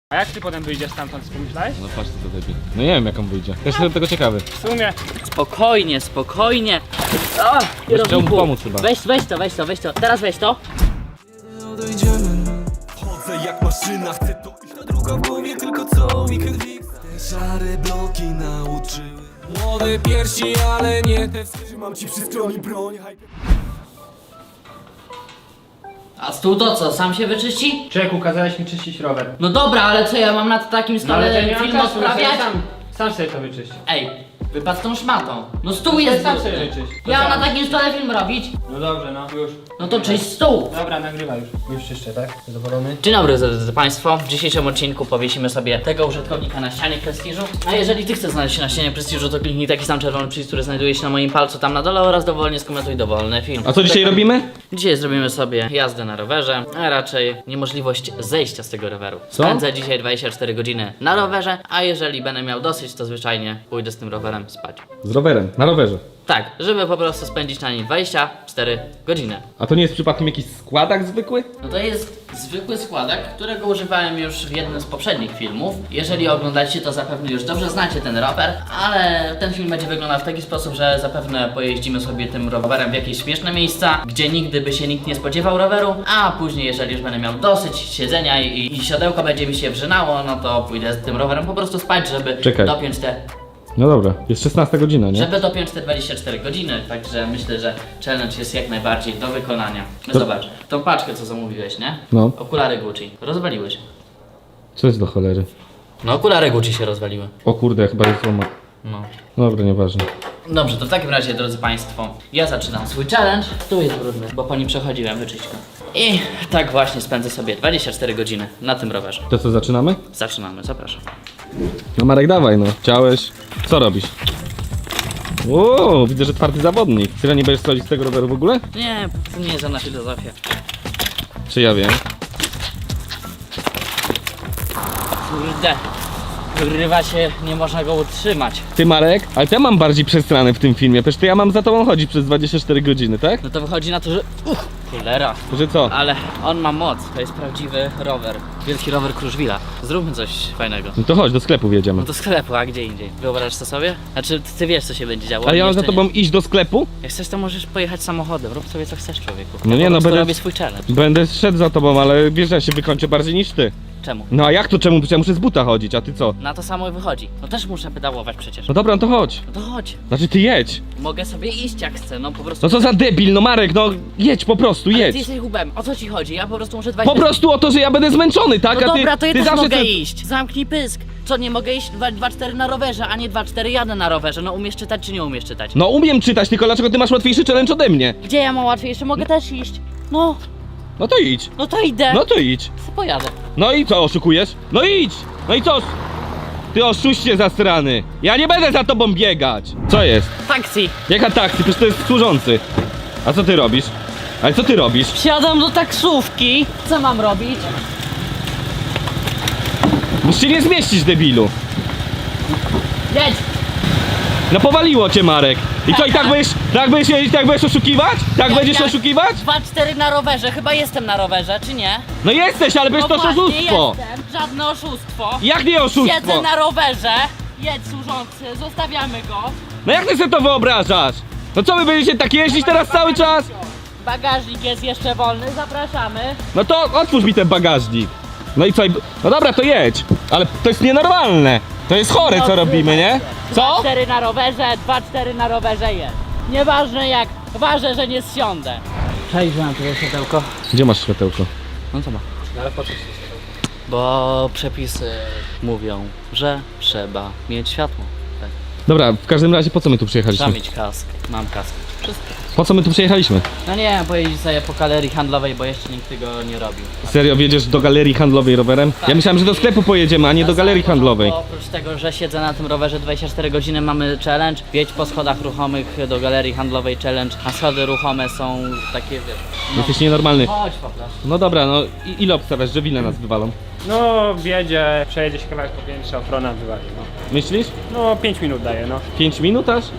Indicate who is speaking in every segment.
Speaker 1: A jak ty potem wyjdziesz stamtąd, co pomyślałeś?
Speaker 2: No patrz co to debil. No nie wiem jak on wyjdzie. Też jestem tego ciekawy.
Speaker 1: W sumie.
Speaker 3: Spokojnie, spokojnie. O,
Speaker 2: Chciał mu pomóc chyba.
Speaker 3: Weź to. Teraz weź to.
Speaker 4: Chodzę jak maszyna, chcę to iść. Ta druga w głowie, tylko co weekend fix. Te szare bloki nauczyły. Młode piersi, ale nie te. Trzymam ci przy stronie broń.
Speaker 3: A stół to co, sam się wyczyści?
Speaker 1: Czeku, kazałeś mi czyścić rower.
Speaker 3: No dobra, ale co ja mam na takim
Speaker 1: No ale
Speaker 3: stole
Speaker 1: to nie mam
Speaker 3: film
Speaker 1: czasu,
Speaker 3: odprawiać?
Speaker 1: sam sobie to wyczyść.
Speaker 3: Ej, wypadł tą szmatą. No stół jest
Speaker 1: sam
Speaker 3: brudny.
Speaker 1: sobie wyczyść. To
Speaker 3: Ja mam
Speaker 1: sam.
Speaker 3: na takim stole film robić.
Speaker 1: No dobrze, no już.
Speaker 3: No to czyść stół.
Speaker 1: Dobra, nagrywa już. Już czyszczę, tak? Zadowolony?
Speaker 3: Dzień dobry drodzy Państwo. W dzisiejszym odcinku powiesimy sobie tego użytkownika na ścianie prestiżu. A jeżeli Ty chcesz znaleźć się na ścianie prestiżu, to kliknij taki sam czerwony przycisk, który znajduje się na moim palcu tam na dole oraz dowolnie skomentuj dowolny film.
Speaker 2: A co dzisiaj robimy?
Speaker 3: Dzisiaj zrobimy sobie jazdę na rowerze, a raczej niemożliwość zejścia z tego roweru.
Speaker 2: Co?
Speaker 3: Spędzę dzisiaj 24 godziny na rowerze, a jeżeli będę miał dosyć, to zwyczajnie pójdę z tym rowerem spać.
Speaker 2: Z rowerem, na rowerze.
Speaker 3: Tak, żeby po prostu spędzić na nim 24 godziny.
Speaker 2: A to nie jest przypadkiem jakiś składak zwykły?
Speaker 3: No to jest zwykły składak, którego używałem już w jednym z poprzednich filmów. Jeżeli oglądacie, to zapewne już dobrze znacie ten rower, ale ten film będzie wyglądał w taki sposób, że zapewne pojeździmy sobie tym rowerem w jakieś śmieszne miejsca, gdzie nigdy by się nikt nie spodziewał roweru, a później, jeżeli już będę miał dosyć siedzenia i siodełko będzie mi się wrzynało, no to pójdę z tym rowerem po prostu spać, żeby
Speaker 2: Czekaj.
Speaker 3: dopiąć te...
Speaker 2: No dobra, jest 16 godzina, nie?
Speaker 3: Żeby dopiąć te 24 godziny, także myślę, że challenge jest jak najbardziej do wykonania. No
Speaker 2: To-
Speaker 3: zobacz, tą paczkę co zamówiłeś, nie?
Speaker 2: No.
Speaker 3: Okulary Gucci. Rozwaliłeś.
Speaker 2: Co jest do cholery?
Speaker 3: No okulary Gucci się rozwaliły.
Speaker 2: O kurde, chyba jest złoma.
Speaker 3: No.
Speaker 2: Dobra, nieważne.
Speaker 3: Dobrze, to w takim razie, drodzy Państwo, ja zaczynam swój challenge. Tu jest brudny, bo po nim przechodziłem, wyczyść go. I tak właśnie spędzę sobie 24 godziny na tym rowerze.
Speaker 2: To co, zaczynamy?
Speaker 3: Zaczynamy, zapraszam.
Speaker 2: No Marek, dawaj no. Chciałeś. Co robisz? O, widzę, że twardy zawodnik. Tyle nie będziesz schodzić z tego roweru w ogóle?
Speaker 3: Nie, to nie jest żadna filozofia.
Speaker 2: Czy ja wiem?
Speaker 3: Kurde. Wyrywa się, nie można go utrzymać.
Speaker 2: Ty Marek, ale to ja mam bardziej przestranę w tym filmie. Przecież to ja mam za tobą chodzić przez 24 godziny, tak?
Speaker 3: No to wychodzi na to, że... Cholera.
Speaker 2: Że co?
Speaker 3: Ale on ma moc, to jest prawdziwy rower. Wielki rower Kruszwila. Zróbmy coś fajnego.
Speaker 2: No to chodź, do sklepu wjedziemy.
Speaker 3: No do sklepu, a gdzie indziej? Wyobrażasz to sobie? Znaczy, ty wiesz co się będzie działo.
Speaker 2: Ale ja mam za
Speaker 3: Jeszcze
Speaker 2: tobą iść do sklepu?
Speaker 3: nie. Jak chcesz, to możesz pojechać samochodem. Rób sobie co chcesz, człowieku.
Speaker 2: No
Speaker 3: Ja
Speaker 2: nie,
Speaker 3: po
Speaker 2: no
Speaker 3: prostu
Speaker 2: będę-
Speaker 3: robię swój challenge.
Speaker 2: Będę szedł za tobą, ale wiesz, że ja się wykończę bardziej niż ty.
Speaker 3: Czemu?
Speaker 2: No a jak to czemu? Przecież ja muszę z buta chodzić, a ty co?
Speaker 3: Na to samo wychodzi. No też muszę pedałować przecież.
Speaker 2: No dobra, no to chodź.
Speaker 3: No to chodź.
Speaker 2: Znaczy ty jedź.
Speaker 3: Mogę sobie iść jak chcę, no po prostu.
Speaker 2: No co za debil, no Marek, no jedź po prostu,
Speaker 3: Ale
Speaker 2: jedź.
Speaker 3: ty jesteś hubem, o co ci chodzi? Ja po prostu muszę
Speaker 2: Po prostu o to, że ja będę zmęczony, tak?
Speaker 3: No
Speaker 2: a ty,
Speaker 3: dobra, to ja
Speaker 2: ty
Speaker 3: też
Speaker 2: zawsze
Speaker 3: mogę
Speaker 2: te-
Speaker 3: iść. Zamknij pysk. Co, nie mogę iść 2-4 na rowerze, a nie 2-4 jadę na rowerze. No umiesz czytać czy nie umiesz czytać?
Speaker 2: No umiem czytać, tylko dlaczego ty masz łatwiejszy challenge ode mnie?
Speaker 3: Gdzie ja mam łatwiejsze? Mogę też iść. No,
Speaker 2: No to idź.
Speaker 3: no to idę.
Speaker 2: No to idź.
Speaker 3: Co pojadę?
Speaker 2: No i co, oszukujesz? No idź! No i co? Ty oszuście zastrany. Ja nie będę za tobą biegać. Co jest?
Speaker 3: Taksi.
Speaker 2: Jaka taksy? Przecież to jest służący. A co ty robisz? Ale co ty robisz?
Speaker 3: Wsiadam do taksówki. Co mam robić?
Speaker 2: Musisz się nie zmieścić, debilu.
Speaker 3: Jedź.
Speaker 2: No powaliło cię, Marek. I co, i tak będziesz jeździć, tak będziesz oszukiwać? Tak będziesz oszukiwać?
Speaker 3: 2-4 na rowerze. Chyba jestem na rowerze, czy nie?
Speaker 2: No jesteś, ale przecież to
Speaker 3: No właśnie,
Speaker 2: oszustwo.
Speaker 3: jestem. Żadne oszustwo.
Speaker 2: Jak nie
Speaker 3: Siedzę
Speaker 2: oszustwo?
Speaker 3: na rowerze. Jedź służący, zostawiamy go.
Speaker 2: No jak ty sobie to wyobrażasz? No co, wy będziecie tak jeździć teraz cały czas?
Speaker 3: Bagażnik jest jeszcze wolny, zapraszamy.
Speaker 2: No to otwórz mi ten bagażnik. No i co? No dobra, to jedź. Ale to jest nienormalne. To jest chore, co robimy, nie? Co?
Speaker 3: 2-4 na rowerze, 2-4 na rowerze jest. Nieważne jak, ważę, że nie zsiądę. Przejrzałem tutaj światełko.
Speaker 2: Gdzie masz światełko?
Speaker 3: No co ma? Ale po co? Bo przepisy mówią, że trzeba mieć światło. Tak.
Speaker 2: Dobra, w każdym razie po co my tu
Speaker 3: Trzeba
Speaker 2: przyjechaliśmy?
Speaker 3: mieć kask. Mam kask. Wszystko.
Speaker 2: Po co my tu przyjechaliśmy?
Speaker 3: No nie wiem, pojeździć sobie po galerii handlowej, bo jeszcze nikt tego nie robił.
Speaker 2: Serio, wjedziesz do galerii handlowej rowerem? Ja myślałem, że do sklepu pojedziemy, a nie do galerii handlowej.
Speaker 3: Oprócz tego, że siedzę na tym rowerze 24 godziny, mamy challenge. Wjedź po schodach ruchomych do galerii handlowej challenge, a schody ruchome są takie, wiesz... No,
Speaker 2: Jesteś nienormalny.
Speaker 3: chodź po prostu.
Speaker 2: No dobra, no ile obstawiasz, że wile nas wywalą?
Speaker 1: No, wjedzie, przejedzie się kawałek po piętrze, ochrona wywali, no.
Speaker 2: Myślisz?
Speaker 1: No, 5 minut daje, no.
Speaker 2: 5 minut aż?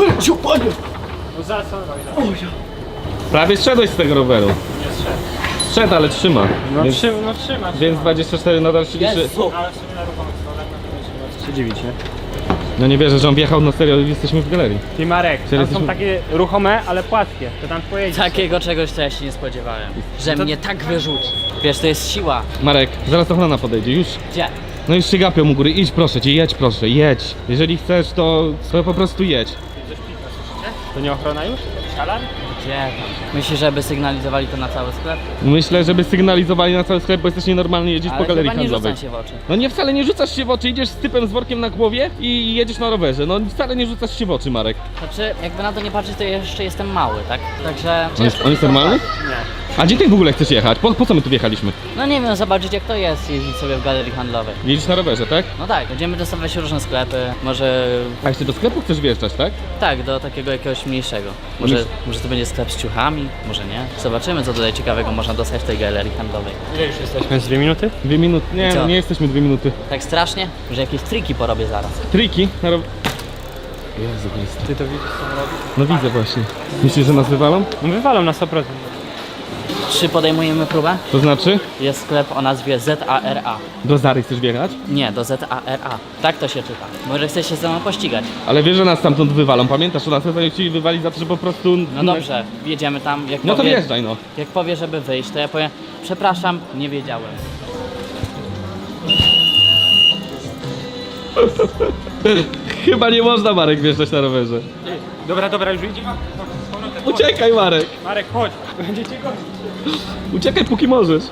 Speaker 1: No za co? No,
Speaker 2: Prawie zszedłeś z tego roweru.
Speaker 1: nie zszedł.
Speaker 2: Wszedł, ale trzyma.
Speaker 1: No,
Speaker 2: Więc,
Speaker 1: trzyma.
Speaker 2: więc 24 nadal się liczy.
Speaker 3: Jezu.
Speaker 1: Ale w sumie na ruchomych schodach no to się dziwić, nie?
Speaker 2: No nie wierzę, że on wjechał, no serio, jesteśmy w galerii.
Speaker 1: Ty Marek, tam
Speaker 2: jesteśmy-
Speaker 1: są takie ruchome, ale płaskie. To tam pojedziesz.
Speaker 3: Takiego czegoś to ja się nie spodziewałem. Że mnie tak wyrzuci. Wiesz, to jest siła.
Speaker 2: Marek, zaraz ochrona podejdzie, już.
Speaker 3: Gdzie?
Speaker 2: No już się gapią u góry, idź proszę cię, jedź proszę, jedź. Jeżeli chcesz, to po prostu jedź.
Speaker 1: To nie ochrona już? Alarm?
Speaker 3: Gdzie tam? Myślisz, żeby sygnalizowali to na cały sklep?
Speaker 2: Myślę, żeby sygnalizowali na cały sklep, bo jesteś nienormalny jeździć po
Speaker 3: Ale
Speaker 2: galerii
Speaker 3: chyba nie
Speaker 2: handlowej.
Speaker 3: rzucam się w oczy.
Speaker 2: No nie, wcale nie rzucasz się w oczy, idziesz z typem z workiem na głowie i jedziesz na rowerze. No wcale nie rzucasz się w oczy, Marek.
Speaker 3: Znaczy, jakby na to nie patrzeć, to jeszcze jestem mały, tak? Także...
Speaker 2: On jest normalny?
Speaker 1: Nie.
Speaker 2: A gdzie ty w ogóle chcesz jechać? Po co my tu wjechaliśmy?
Speaker 3: No nie wiem, zobaczyć jak to jest jeździć sobie w galerii handlowej.
Speaker 2: Jedziesz na rowerze, tak?
Speaker 3: No tak, będziemy dostawać różne sklepy, może...
Speaker 2: A jeszcze do sklepu chcesz wjeżdżać, tak?
Speaker 3: Tak, do takiego jakiegoś mniejszego. Może to będzie sklep z ciuchami, może nie. Zobaczymy, co tutaj ciekawego można dostać w tej galerii handlowej.
Speaker 1: Ile już jesteśmy? Z 2 minuty?
Speaker 2: 2 minuty. Nie,
Speaker 3: I co?
Speaker 2: no nie jesteśmy 2 minuty.
Speaker 3: Tak strasznie, że jakieś triki porobię zaraz.
Speaker 2: Triki na rowerze. Jezu Chryste.
Speaker 1: Ty to widzisz, co on robi?
Speaker 2: No widzę właśnie. Myślisz, że nas wywalą?
Speaker 1: No wywalą na 100%.
Speaker 3: Czy podejmujemy próbę?
Speaker 2: To znaczy?
Speaker 3: Jest sklep o nazwie ZARA.
Speaker 2: Do Zary chcesz wjechać?
Speaker 3: Nie, do ZARA. Tak to się czyta. Może chcesz się ze mną pościgać?
Speaker 2: Ale wiesz, że nas stamtąd wywalą. Pamiętasz, że nas chcieli wywalić za to, że po prostu...
Speaker 3: No dobrze, jedziemy tam. Jak
Speaker 2: No to
Speaker 3: powie,
Speaker 2: wjeżdżaj, no.
Speaker 3: Jak powie, żeby wyjść, to ja powiem, przepraszam, nie wiedziałem.
Speaker 2: Chyba nie można, Marek, wjeżdżać na rowerze.
Speaker 1: Dobra, już idzie.
Speaker 2: Uciekaj, Marek.
Speaker 1: Marek, chodź. Będziecie gonić.
Speaker 2: Uciekaj, póki możesz.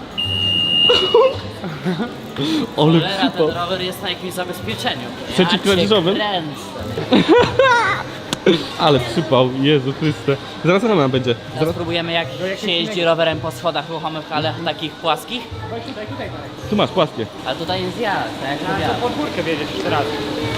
Speaker 2: Ale
Speaker 3: Cholera, ten
Speaker 2: przypał.
Speaker 3: rower jest na jakimś zabezpieczeniu.
Speaker 2: Przeciwkradzieżowym?
Speaker 3: Ja cię kręcę.
Speaker 2: Ale przypał, Jezu Chryste. Zaraz ona będzie.
Speaker 3: Teraz spróbujemy jak się jeździ rowerem po schodach ruchomych, ale takich płaskich.
Speaker 1: Chodź tutaj, Marek.
Speaker 2: Tu masz płaskie.
Speaker 3: Ale tutaj jest jazd, tak jak
Speaker 1: Na
Speaker 3: mówiłem.
Speaker 1: podwórkę wiedziesz jeszcze raz.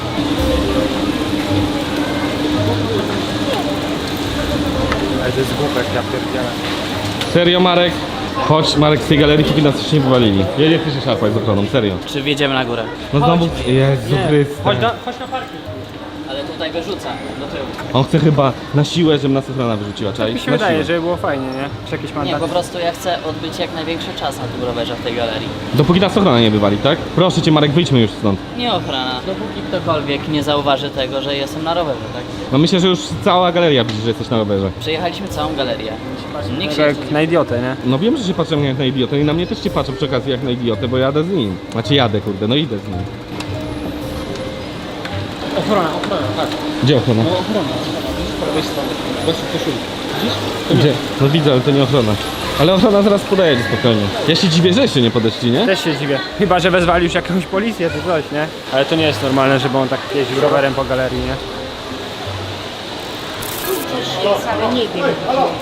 Speaker 1: Ale to jest głupek, ja pierdzielę.
Speaker 2: Serio, Marek? Chodź, Marek, z tej galerii, póki nas już nie wywalili. Jedzie, ty się szarpać z ochroną, serio.
Speaker 3: Czy wjedziemy na górę?
Speaker 2: No znowu... Jezu Chryste.
Speaker 1: Chodź na parking.
Speaker 3: Ale tutaj wyrzuca do tyłu.
Speaker 2: On chce chyba na siłę, żeby nas ochrona wyrzuciła, czaj?
Speaker 1: Mi się
Speaker 2: Na
Speaker 1: wydaje,
Speaker 2: siłę.
Speaker 1: żeby było fajnie, nie? Czy jakieś
Speaker 3: Nie,
Speaker 1: mandaty?
Speaker 3: po prostu ja chcę odbyć jak największy czas na tym rowerze w tej galerii.
Speaker 2: Dopóki nas ochrona nie wywali, tak? Proszę cię, Marek, wyjdźmy już stąd.
Speaker 3: Nie ochrona, dopóki ktokolwiek nie zauważy tego, że jestem na rowerze, tak?
Speaker 2: No myślę, że już cała galeria widzi, że jesteś na rowerze.
Speaker 3: Przejechaliśmy całą galerię. Nikt się
Speaker 1: Tak
Speaker 3: jeszcze
Speaker 1: jak
Speaker 3: nie...
Speaker 1: na idiotę, nie?
Speaker 2: No wiem, że się patrzę jak na idiotę i na mnie też się patrzą przy okazji jak na idiotę, bo jadę z nim. Znaczy jadę, kurde, no idę z nim.
Speaker 1: Ochrona, tak.
Speaker 2: Gdzie ochrona?
Speaker 1: Ochrona, po prawej stronie. Właśnie koszulki. Widzisz?
Speaker 2: Gdzie? No widzę, ale to nie ochrona. Ale ochrona zaraz podejedzie spokojnie. Ja się dziwię, że jeszcze nie podeszli, nie?
Speaker 1: Też się dziwię. Chyba, że wezwali już jakąś policję czy coś, nie? Ale to nie jest normalne, żeby on tak jeździł rowerem po galerii, nie?
Speaker 5: Ale nie wiem.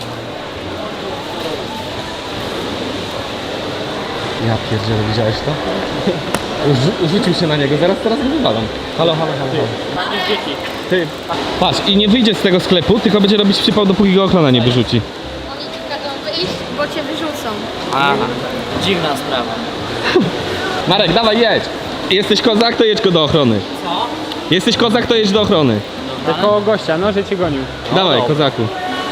Speaker 2: Ja pierdzielę, widziałeś to? Rzucił się na niego, teraz go wywalam. Halo.
Speaker 1: Dzieci.
Speaker 2: Ty, patrz, i nie wyjdzie z tego sklepu, tylko będzie robić przypał, dopóki go ochrona nie wyrzuci.
Speaker 5: Oni ci każą wyjść, bo cię wyrzucą.
Speaker 3: Aha, dziwna sprawa.
Speaker 2: Marek, dawaj, jedź! Jesteś kozak, to jedź go do ochrony.
Speaker 3: Co?
Speaker 2: Jesteś kozak, to jedź do ochrony.
Speaker 1: Tylko gościa, no, że cię gonił.
Speaker 2: Dawaj,
Speaker 3: dobra.
Speaker 2: kozaku.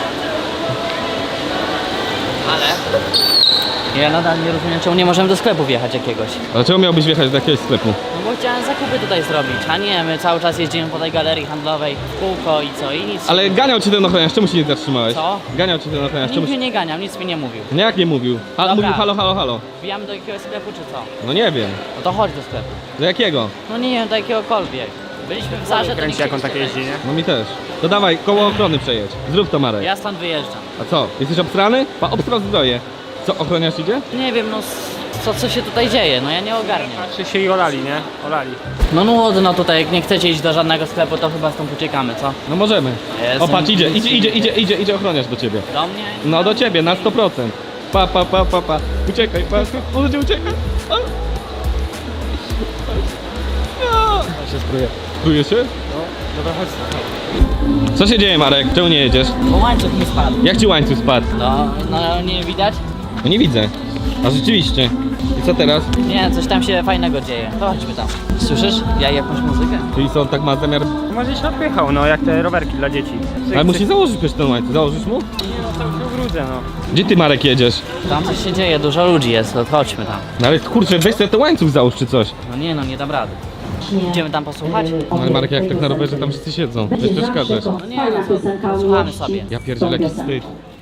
Speaker 3: Ale... Ja nadal nie rozumiem, czemu nie możemy do sklepu wjechać jakiegoś.
Speaker 2: Ale czemu miałbyś wjechać do jakiegoś sklepu?
Speaker 3: No bo chciałem zakupy tutaj zrobić, a nie, my cały czas jeździmy po tej galerii handlowej w kółko i co, i nic.
Speaker 2: Ale ganiał cię ten ochroniarz, czemu się nie zatrzymałeś?
Speaker 3: Co?
Speaker 2: Ganiał cię ten ochroniarz, czemu
Speaker 3: Nikt
Speaker 2: się...
Speaker 3: mnie nie ganiał, nic mi nie mówił.
Speaker 2: Nie, jak nie mówił?
Speaker 3: Dobra.
Speaker 2: Mówił halo.
Speaker 3: Wbijamy do jakiegoś sklepu czy co?
Speaker 2: No nie wiem.
Speaker 3: No to chodź do sklepu.
Speaker 2: Do jakiego?
Speaker 3: No nie wiem, do jakiegokolwiek. Byliśmy w Zarze, to
Speaker 1: Kręci
Speaker 3: nie
Speaker 1: jak on tak
Speaker 3: chcieliście
Speaker 1: jeździ, nie?
Speaker 2: No mi też. To dawaj, koło ochrony przejedź. Zrób to, Marek.
Speaker 3: Ja stąd wyjeżdżam.
Speaker 2: A co? Jesteś obstrany? Obstrał zbroję. Co, ochroniarz idzie?
Speaker 3: Nie wiem, no co się tutaj dzieje, no ja nie ogarniam.
Speaker 1: Czy się i olali, nie? Olali.
Speaker 3: No nudno tutaj, jak nie chcecie iść do żadnego sklepu, to chyba stąd uciekamy, co?
Speaker 2: No możemy.
Speaker 3: Jestem
Speaker 2: O, patrz,
Speaker 3: nic nie
Speaker 2: idzie ochroniarz do ciebie.
Speaker 3: Do mnie?
Speaker 2: No do ciebie, na 100%. Pa. Uciekaj, pa. Możecie uciekać. A. No.
Speaker 1: się spruje.
Speaker 2: Spruje się?
Speaker 1: Dobra, chodź.
Speaker 2: Co się dzieje, Marek? Czemu nie jedziesz?
Speaker 3: Bo łańcuch mi spadł.
Speaker 2: Jak ci łańcuch spadł?
Speaker 3: No nie widać?
Speaker 2: No nie widzę. A rzeczywiście. I co teraz?
Speaker 3: Nie, coś tam się fajnego dzieje. To chodźmy tam. Słyszysz? Ja jakąś muzykę?
Speaker 2: Czyli co, on tak ma zamiar...
Speaker 1: Może się odpychał, no jak te rowerki dla dzieci.
Speaker 2: Ale musi założyć przecież ten łańcuch. Założysz mu?
Speaker 1: Nie no, cały się ubrudzę, no.
Speaker 2: Gdzie ty, Marek, jedziesz?
Speaker 3: Tam coś się dzieje, dużo ludzi jest, to chodźmy tam.
Speaker 2: No ale kurczę, weź sobie ten łańcuch załóż czy coś.
Speaker 3: No nie no, nie dam rady. Idziemy tam posłuchać?
Speaker 2: No ale Marek, jak tak na rowerze tam wszyscy siedzą. Weź przeszkadzasz.
Speaker 3: No nie no, posłuchamy sobie.
Speaker 2: Ja pierdzielę, jaki wstyd.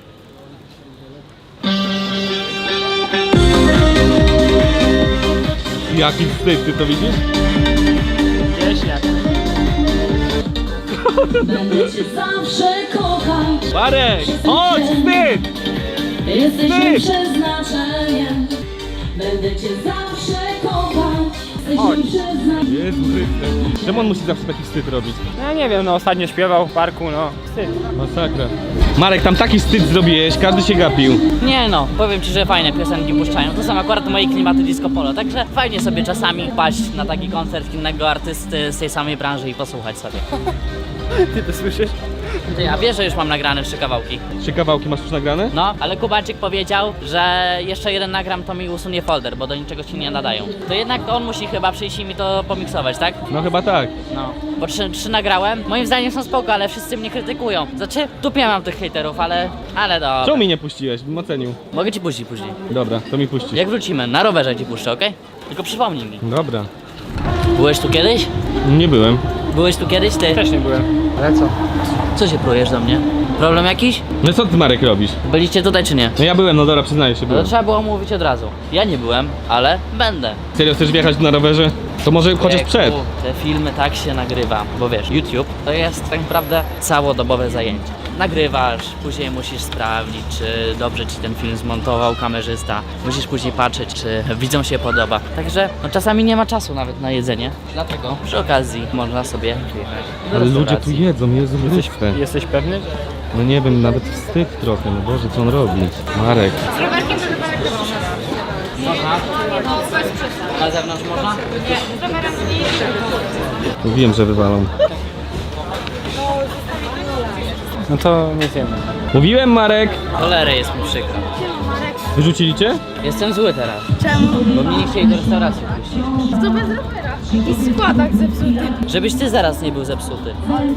Speaker 2: Jaki wstyd, ty to widzisz?
Speaker 1: Wieśniak.
Speaker 6: Będę cię zawsze kochać.
Speaker 2: Marek! Chodź, wstyd!
Speaker 6: Jesteś
Speaker 2: Ty!
Speaker 6: moim przeznaczeniem. Będę cię zawsze kochać. Jesteś
Speaker 1: Chodź.
Speaker 6: moim przeznaczeniem.
Speaker 2: Jezu Chryste. Czemu on musi zawsze taki wstyd robić?
Speaker 1: No ja nie wiem, no ostatnio śpiewał w parku, no. Wstyd.
Speaker 2: Masakra. Marek, tam taki wstyd zrobiłeś, każdy się gapił.
Speaker 3: Nie no, powiem ci, że fajne piosenki puszczają. To są akurat moje klimaty disco polo, także fajnie sobie czasami paść na taki koncert innego artysty z tej samej branży i posłuchać sobie.
Speaker 1: Ty to słyszysz?
Speaker 3: Ty, a wiesz, że już mam nagrane 3 kawałki?
Speaker 2: 3 kawałki masz już nagrane?
Speaker 3: No, ale Kubańczyk powiedział, że jeszcze jeden nagram, to mi usunie folder, bo do niczego się nie nadają. To jednak on musi chyba przyjść i mi to pomiksować, tak?
Speaker 2: No chyba tak.
Speaker 3: No, bo 3 nagrałem. Moim zdaniem są spoko, ale wszyscy mnie krytykują. Znaczy, dupie mam tych hejterów, ale dobra.
Speaker 2: Czemu mi nie puściłeś? Bym ocenił.
Speaker 3: Mogę ci puścić później.
Speaker 2: Dobra, to mi puścisz.
Speaker 3: Jak wrócimy, na rowerze ci puszczę, okej? Tylko przypomnij mi.
Speaker 2: Dobra.
Speaker 3: Byłeś tu kiedyś?
Speaker 2: Nie byłem.
Speaker 3: Byłeś tu kiedyś, ty?
Speaker 1: Też nie byłem. Ale co?
Speaker 3: Co się plujesz do mnie? Problem jakiś?
Speaker 2: No co ty, Marek, robisz?
Speaker 3: Byliście tutaj czy nie?
Speaker 2: No ja byłem, no dobra, przyznaję się,
Speaker 3: No to
Speaker 2: byłem.
Speaker 3: trzeba było mówić od razu. Ja nie byłem, ale będę.
Speaker 2: Serio, chcesz wjechać na rowerze? To może chociaż
Speaker 3: Wieku,
Speaker 2: przed.
Speaker 3: Te filmy tak się nagrywa, bo wiesz, YouTube to jest tak naprawdę całodobowe zajęcie. Nagrywasz, później musisz sprawdzić, czy dobrze ci ten film zmontował kamerzysta. Musisz później patrzeć, czy widzom się podoba. Także no, czasami nie ma czasu nawet na jedzenie. Dlatego przy okazji można sobie wyjechać do
Speaker 2: Ale ludzie tu
Speaker 3: restauracji.
Speaker 2: jedzą, Jezu Chryste.
Speaker 1: Jesteś pewny?
Speaker 2: No nie wiem, nawet wstyd trochę, no Boże, co on robi? Marek.
Speaker 5: Z rowerkiem to chyba lekko
Speaker 3: Można?
Speaker 5: No, bez przesad.
Speaker 3: Na zewnątrz można?
Speaker 5: Nie, z rowerem nie.
Speaker 2: Wiem, że wywalą.
Speaker 1: No to nie wiemy.
Speaker 2: Mówiłem, Marek!
Speaker 3: Cholerę jest mi przykro.
Speaker 2: Wyrzucili cię?
Speaker 3: Jestem zły teraz,
Speaker 5: Czemu?
Speaker 3: bo mnie nie chcieli do restauracji wpuścić.
Speaker 5: To bez rowera. Jakiś składak zepsuty.
Speaker 3: Żebyś ty zaraz nie był zepsuty.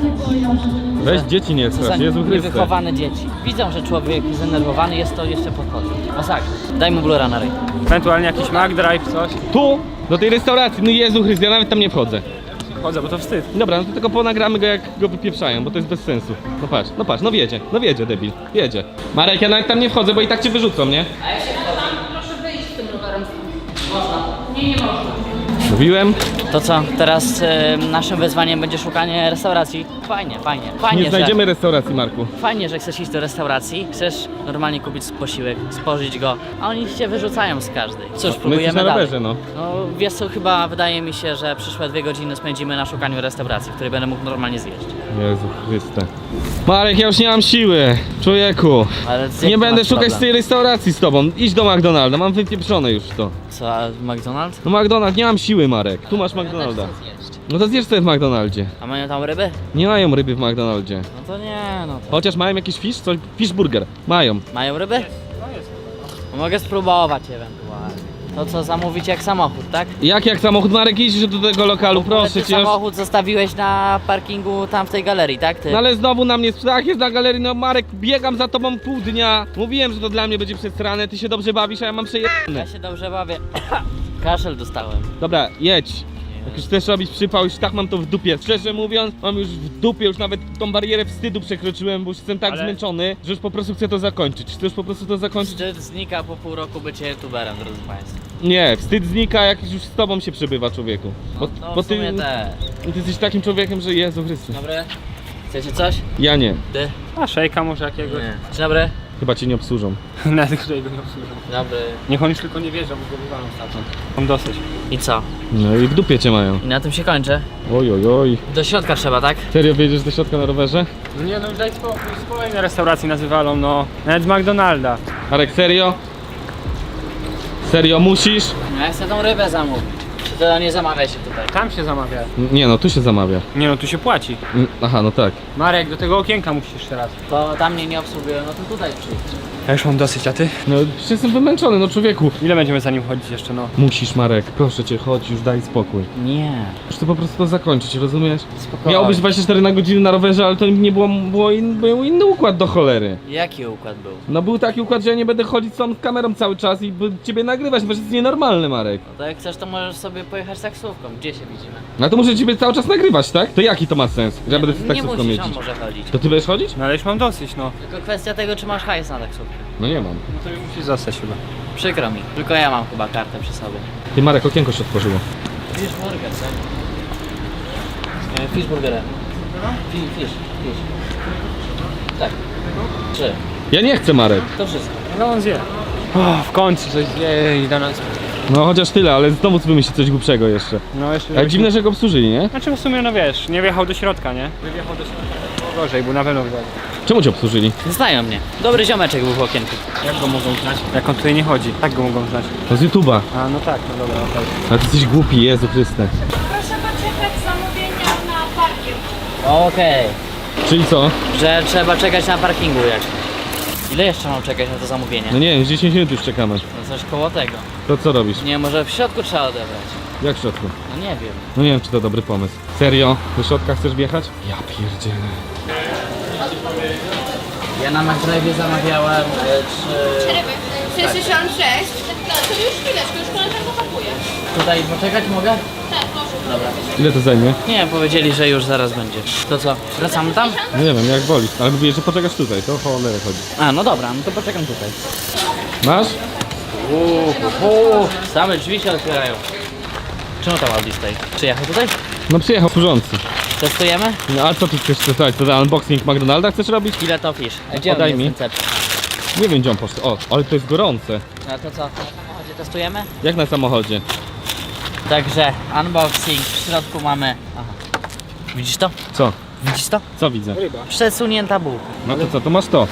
Speaker 2: Weź dzieci nie
Speaker 3: Co za
Speaker 2: strasz, Jezu Chryste.
Speaker 3: niewychowane dzieci. Widzą, że człowiek zdenerwowany jest, to jeszcze podchodzi. Masakra. Daj mu blura na ryj.
Speaker 1: Ewentualnie jakiś McDrive, coś.
Speaker 2: Tu? Do tej restauracji, no Jezu Chryste, ja nawet tam nie wchodzę.
Speaker 1: Chodzę, bo to wstyd.
Speaker 2: Dobra, no to tylko ponagramy go, jak go wypieprzają, bo to jest bez sensu. No patrz, no wiedzie, debil, wiedzie. Marek, ja nawet tam nie wchodzę, bo i tak cię wyrzucą, nie?
Speaker 3: Proszę wyjść z tym rowerem. Można. Nie można.
Speaker 2: Mówiłem,
Speaker 3: To co, teraz naszym wyzwaniem będzie szukanie restauracji? Fajnie, fajnie. Fajnie,
Speaker 2: nie znajdziemy restauracji, Marku.
Speaker 3: Fajnie, że chcesz iść do restauracji, chcesz normalnie kupić posiłek, spożyć go, a oni cię wyrzucają z każdej. Cóż,
Speaker 2: My jesteśmy
Speaker 3: próbujemy
Speaker 2: na
Speaker 3: dalej.
Speaker 2: rowerze, no.
Speaker 3: No wiesz co, chyba wydaje mi się, że przyszłe 2 godziny spędzimy na szukaniu restauracji, w której będę mógł normalnie zjeść.
Speaker 2: Jezu Chryste. Marek, ja już nie mam siły, człowieku.
Speaker 3: Ale jaki
Speaker 2: Nie będę
Speaker 3: masz
Speaker 2: szukać
Speaker 3: problem?
Speaker 2: z tej restauracji z tobą. Idź do McDonalda, mam wypieprzone już to.
Speaker 3: Co, a McDonald's?
Speaker 2: No McDonald's, nie mam siły, Marek. Tu masz McDonalda.
Speaker 3: Ja też chcę zjeść.
Speaker 2: No to zjesz sobie w McDonaldzie.
Speaker 3: A mają tam ryby?
Speaker 2: Nie mają ryby w McDonaldzie.
Speaker 3: No to nie, no to...
Speaker 2: Chociaż mają jakiś fish, coś, fish burger. Mają.
Speaker 3: Mają ryby? No mogę spróbować ewentualnie. To co, zamówić jak samochód, tak?
Speaker 2: Jak samochód, Marek, idź do tego lokalu, proszę
Speaker 3: Ty
Speaker 2: cię. Już...
Speaker 3: samochód zostawiłeś na parkingu tam w tej galerii, tak? Ty?
Speaker 2: No ale znowu na mnie strach jest na galerii, no Marek, biegam za tobą pół dnia. Mówiłem, że to dla mnie będzie przestranne, ty się dobrze bawisz, a ja mam przejebane.
Speaker 3: Ja się dobrze bawię. Kaszel dostałem.
Speaker 2: Dobra, jedź. Jak już chcesz robić przypał, już tak mam to w dupie. Szczerze mówiąc, mam już w dupie, już nawet tą barierę wstydu przekroczyłem, bo już jestem tak
Speaker 1: Ale-
Speaker 2: zmęczony, że już po prostu chcę to zakończyć. Chcę już po prostu to zakończyć.
Speaker 3: Wstyd znika po pół roku bycie youtuberem, drodzy państwo.
Speaker 2: Nie, wstyd znika, jak już z tobą się przebywa, człowieku.
Speaker 3: No
Speaker 2: Bo
Speaker 3: w sumie też.
Speaker 2: ty jesteś takim człowiekiem, że Jezu Chryste.
Speaker 3: Dobry. Chcecie coś?
Speaker 2: Ja nie.
Speaker 3: Ty?
Speaker 1: A szejka może jakiegoś.
Speaker 3: Nie. Dzień dobry.
Speaker 2: Chyba cię nie obsłużą.
Speaker 1: Nawet którego nie obsłużą.
Speaker 3: Dobry.
Speaker 1: Niech on już tylko nie wierzą, bo go wywalą stamtąd. Mam dosyć.
Speaker 3: I co?
Speaker 2: No i w dupie cię mają.
Speaker 3: I na tym się kończy.
Speaker 2: Oj, oj, oj.
Speaker 3: Do środka trzeba, tak?
Speaker 2: Serio wjedziesz do środka na rowerze?
Speaker 1: No nie no, już daj spokój, z kolejnej restauracji nas wywalą, no. Nawet z McDonalda.
Speaker 2: Marek, serio? Serio, musisz?
Speaker 3: No ja chcę tą rybę zamówić. Czy to nie zamawia się tutaj?
Speaker 1: Tam się zamawia.
Speaker 2: Nie no, tu się zamawia.
Speaker 1: Nie no, tu się płaci.
Speaker 2: Aha, no tak.
Speaker 1: Marek, do tego okienka musisz jeszcze raz.
Speaker 3: To tam mnie nie obsługują, no to tutaj przyjdź.
Speaker 1: Ja już mam dosyć, a ty?
Speaker 2: No przecież jestem wymęczony, no człowieku.
Speaker 1: Ile będziemy za nim chodzić jeszcze, no?
Speaker 2: Musisz, Marek, proszę cię, chodź, już daj spokój.
Speaker 3: Nie.
Speaker 2: Muszę to po prostu to zakończyć, rozumiesz?
Speaker 3: Spokojnie.
Speaker 2: Miało być 24 na godzinę na rowerze, ale to nie było, był inny układ do cholery.
Speaker 3: Jaki układ był?
Speaker 2: No był taki układ, że ja nie będę chodzić z kamerą cały czas i ciebie nagrywać, bo to jest nienormalny, Marek.
Speaker 3: No to jak chcesz, to możesz sobie pojechać taksówką. Gdzie się widzimy?
Speaker 2: No to muszę ciebie cały czas nagrywać, tak? To jaki to ma sens, że ja będę z
Speaker 3: nie
Speaker 2: taksówką
Speaker 3: musisz, on
Speaker 2: jeździć?
Speaker 3: może chodzić.
Speaker 2: To ty będziesz chodzić?
Speaker 1: No ale już mam dosyć, no.
Speaker 3: Tylko kwestia tego, czy masz hajs na taksówkę.
Speaker 2: No nie mam.
Speaker 1: No to już musisz zostać chyba.
Speaker 3: Przykro mi. Tylko ja mam chyba kartę przy sobie.
Speaker 2: Ty, Marek, okienko się otworzyło.
Speaker 3: Fishburger, tak? Fishburgerem. Fish. Tak. 3.
Speaker 2: Ja nie chcę, Marek.
Speaker 3: To wszystko.
Speaker 1: No on zje. O, w końcu coś zje i da nas.
Speaker 2: No chociaż tyle, ale znowu wymyśli coś głupszego jeszcze.
Speaker 1: No jeszcze.
Speaker 2: Ale dziwne, że go obsłużyli, nie?
Speaker 1: Znaczy w sumie, no wiesz, nie wjechał do środka, nie? Wjechał do środka. Było gorzej, był na pewno wjechał.
Speaker 2: Czemu cię obsłużyli?
Speaker 3: Znają mnie. Dobry ziomeczek był w okienku.
Speaker 1: Jak go mogą znać? Jak on tutaj nie chodzi, tak go mogą znać.
Speaker 2: No z YouTube'a.
Speaker 1: A no tak, no dobra, okej.
Speaker 2: Ale ty jesteś głupi, Jezu Chryste.
Speaker 5: Proszę poczekać zamówienia na parking.
Speaker 3: Okej.
Speaker 2: Czyli co?
Speaker 3: Że trzeba czekać na parkingu jak. Ile jeszcze mam czekać na to zamówienie?
Speaker 2: No nie wiem, 10 minut już czekamy.
Speaker 3: No coś koło tego.
Speaker 2: To co robisz?
Speaker 3: Nie, może w środku trzeba odebrać.
Speaker 2: Jak w środku?
Speaker 3: No nie wiem.
Speaker 2: No nie wiem, czy to dobry pomysł. Serio? Do środka chcesz wjechać? Ja pierdzielę.
Speaker 3: Ja na McDrive'ie zamawiałem
Speaker 5: 66. No to już chwileczkę, już koleżanka pakuje.
Speaker 3: tutaj poczekać mogę?
Speaker 5: Tak, proszę.
Speaker 3: Dobra.
Speaker 2: Ile to zajmie?
Speaker 3: Nie, powiedzieli, że już zaraz będzie. To co? Wracamy tam?
Speaker 2: No nie wiem, jak wolisz. Ale mówię, że poczekasz tutaj, to o cholerę chodzi.
Speaker 3: A, no dobra, no to poczekam tutaj.
Speaker 2: Masz?
Speaker 3: Same drzwi się otwierają. Czemu tam Audi stoi? Przyjechał tutaj?
Speaker 2: No przyjechał służący.
Speaker 3: Testujemy?
Speaker 2: No a co ty chcesz testować? To unboxing McDonalda chcesz robić?
Speaker 3: Ile to fisz? Gdzie
Speaker 2: Podaj
Speaker 3: on
Speaker 2: mi.
Speaker 3: jest ten cep?
Speaker 2: Nie wiem, gdzie on poszedł. O, ale to jest gorące.
Speaker 3: No to co? Na samochodzie testujemy?
Speaker 2: Jak na samochodzie.
Speaker 3: Także unboxing, w środku mamy... Aha. Widzisz to?
Speaker 2: Co?
Speaker 3: Widzisz to?
Speaker 2: Co widzę?
Speaker 3: Przesunięta bułka.
Speaker 2: No to co, to masz to.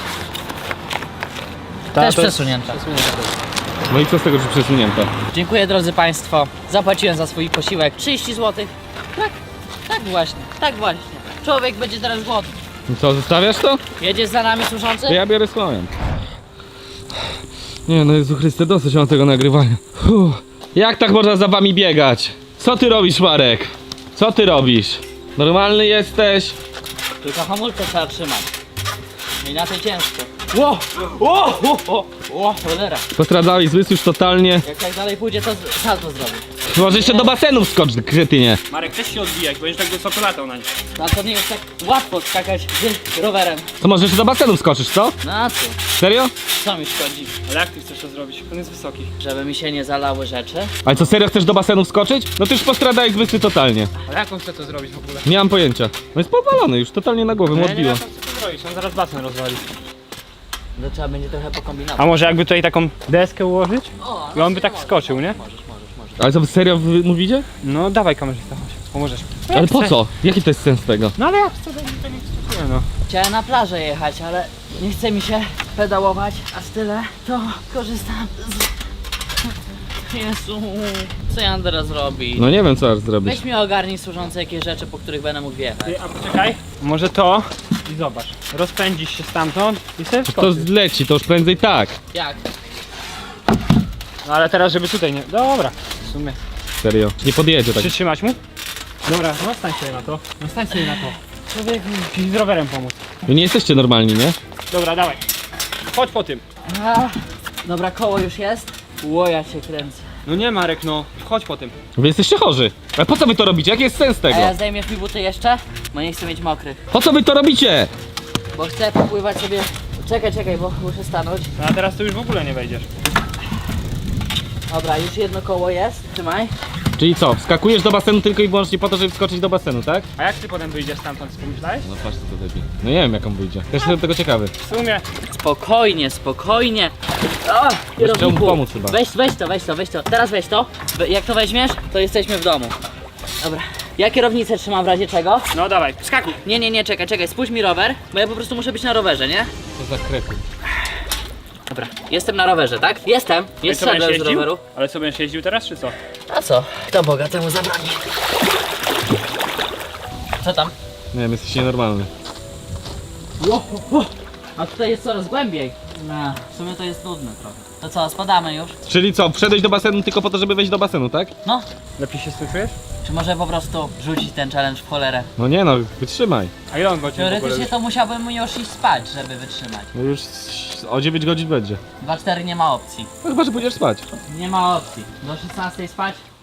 Speaker 3: Też przesunięta.
Speaker 2: No i co z tego, że przesunięte?
Speaker 3: Dziękuję drodzy Państwo. Zapłaciłem za swój posiłek 30 zł. Tak właśnie, tak właśnie. Człowiek będzie teraz głodny.
Speaker 2: No co, zostawiasz to?
Speaker 3: Jedziesz za nami służący?
Speaker 2: To ja biorę swoją. Nie no Jezu Chryste, dosyć mam tego nagrywania. Jak tak można za wami biegać? Co ty robisz, Marek? Co ty robisz? Normalny jesteś?
Speaker 3: Tylko hamulce trzeba trzymać. Inaczej ciężko. Ło, cholera.
Speaker 2: Postradzałeś zmysł już totalnie.
Speaker 3: Jak tak dalej pójdzie, to salto zrobię.
Speaker 2: Może jeszcze do basenu wskocz, kretynie.
Speaker 1: Marek, też się odbijać, będziesz tak wysoko latał na nim.
Speaker 3: No to nie jest tak łatwo skakać rowerem.
Speaker 2: To może jeszcze do basenu wskoczysz, co?
Speaker 3: No a co?
Speaker 2: Serio?
Speaker 3: Co mi szkodzi?
Speaker 1: Ale jak ty chcesz to zrobić? On jest wysoki.
Speaker 3: Żeby mi się nie zalały rzeczy.
Speaker 2: Ale co, serio chcesz do basenu wskoczyć? No ty już postradałeś zmysły totalnie.
Speaker 1: Ale jak on chce to zrobić w ogóle?
Speaker 2: Nie mam pojęcia. No jest powalony już, totalnie na głowę mu
Speaker 1: Ja nie
Speaker 2: odbiło.
Speaker 1: wiem, co to zrobić, on zaraz basen rozwali.
Speaker 3: No trzeba będzie trochę pokombinować.
Speaker 1: A może jakby tutaj taką deskę ułożyć?
Speaker 3: O,
Speaker 1: I on by tak wskoczył, nie?
Speaker 3: Możesz.
Speaker 2: Ale co, wy serio wy mówicie?
Speaker 1: No dawaj kamerzysta, chodź, pomożesz.
Speaker 2: Ale po co? Jaki to jest sens tego?
Speaker 1: No ale jak chcę, to nie stosuje, no.
Speaker 3: Chciałem na plażę jechać, ale nie chce mi się pedałować, a z tyle to korzystam z... Jezu, co ja mam teraz zrobić?
Speaker 2: No nie wiem, co aż zrobić.
Speaker 3: Weź mi ogarnij służące jakieś rzeczy, po których będę mógł wjechać.
Speaker 1: Ty, a poczekaj. Może to i zobacz. Rozpędzisz się stamtąd i sobie
Speaker 2: To
Speaker 1: wskoczysz.
Speaker 2: zleci, to już prędzej tak.
Speaker 3: Jak?
Speaker 1: No ale teraz, żeby tutaj nie... Dobra, w sumie.
Speaker 2: Serio. Nie podjedzie tak.
Speaker 1: Przytrzymać mu? Dobra, no stań sobie na to. No stań sobie na to. Człowieku, ci z rowerem pomóc.
Speaker 2: Wy nie jesteście normalni, nie?
Speaker 1: Dobra, dawaj. Chodź po tym.
Speaker 3: A, dobra, koło już jest. Ło, ja się kręcę.
Speaker 1: No nie Marek, no. Chodź po tym.
Speaker 2: Wy jesteście chorzy. Ale po co wy to robicie? Jaki jest sens
Speaker 3: A
Speaker 2: tego?
Speaker 3: ja zdejmiesz mi buty jeszcze? Bo nie chcę mieć mokrych.
Speaker 2: Po co wy to robicie?
Speaker 3: Bo chcę popływać sobie... Czekaj, bo muszę stanąć.
Speaker 1: No a teraz to już w ogóle nie wejdziesz.
Speaker 3: Dobra, już jedno koło jest. Trzymaj.
Speaker 2: Czyli co, wskakujesz do basenu tylko i wyłącznie po to, żeby wskoczyć do basenu, tak?
Speaker 1: A jak ty potem wyjdziesz stamtąd, pomyślałeś?
Speaker 2: No patrz co to debil. No nie wiem jak on wyjdzie. Też jestem tego ciekawy.
Speaker 1: W sumie.
Speaker 3: Spokojnie. O,
Speaker 2: Trzeba mu pomóc chyba.
Speaker 3: Weź to. Teraz weź to. Jak to weźmiesz, to jesteśmy w domu. Dobra. Ja kierownicę trzymam w razie czego?
Speaker 1: No dawaj, skakuj.
Speaker 3: Nie, czekaj, spójrz mi rower, bo ja po prostu muszę być na rowerze, nie?
Speaker 2: Co za krety.
Speaker 3: Dobra, jestem na rowerze, tak? Jestem, nie
Speaker 1: Co, będziesz
Speaker 3: zszedłem z
Speaker 1: jeździł?
Speaker 3: roweru.
Speaker 1: Ale co, będziesz jeździł teraz, czy co?
Speaker 3: A co? Kto Boga temu zabroni? Co tam?
Speaker 2: Nie wiem, jesteś nienormalny.
Speaker 3: A tutaj jest coraz głębiej. No, w sumie to jest nudne trochę. To co, spadamy już?
Speaker 2: Czyli co, wszedłeś do basenu tylko po to, żeby wejść do basenu, tak?
Speaker 3: No,
Speaker 1: Lepiej się z tym czujesz?
Speaker 3: czy może po prostu rzucić ten challenge w cholerę?
Speaker 2: No nie no, wytrzymaj.
Speaker 1: A ile on godzin w ogóle
Speaker 3: Teoretycznie
Speaker 1: już?
Speaker 3: to musiałbym już iść spać, żeby wytrzymać.
Speaker 2: No już o 9 godzin będzie.
Speaker 3: 2-4 nie ma opcji.
Speaker 2: No chyba, że pójdziesz spać.
Speaker 3: Nie ma opcji. Do 16 spać?